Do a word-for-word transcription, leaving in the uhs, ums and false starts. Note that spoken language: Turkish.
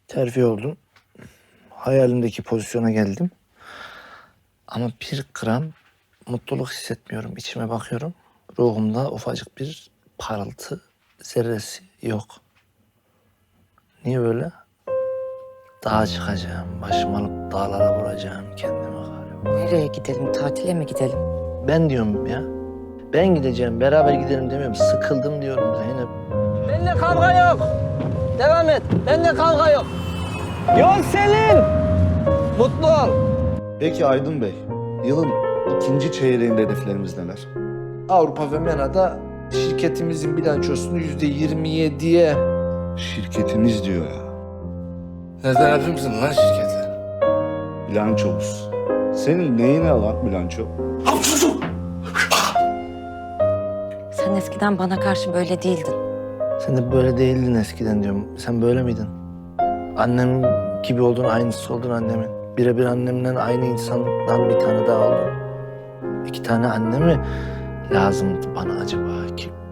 Terfi oldum. Hayalimdeki pozisyona geldim. Ama bir gram mutluluk hissetmiyorum. İçime bakıyorum. Ruhumda ufacık bir parıltı zerresi yok. Niye böyle? Dağa çıkacağım, başımı alıp dağlara vuracağım kendimi galiba. Nereye gidelim? Tatile mi gidelim? Ben diyorum ya. Ben gideceğim, beraber gidelim demiyorum. Sıkıldım diyorum Zeynep. Benimle kavga yok. Devam et. Benimle kavga yok. Yol senin. Mutlu ol. Peki Aydın Bey, yılın ikinci çeyreğinde hedeflerimiz neler? Avrupa ve MENA'da şirketimizin bilançosunu yüzde yirmi yediye... Şirketimiz diyor ya. Nereden yapıyor musun lan şirketi? Bilançomuz. Senin neyine lan bilanço? Sen eskiden bana karşı böyle değildin. Sen de böyle değildin eskiden diyorum. Sen böyle miydin? Annem gibi oldun, aynısı oldun annemin. Birebir annemden aynı insandan bir tane daha oldun. İki tane anne mi lazımdı bana acaba ki?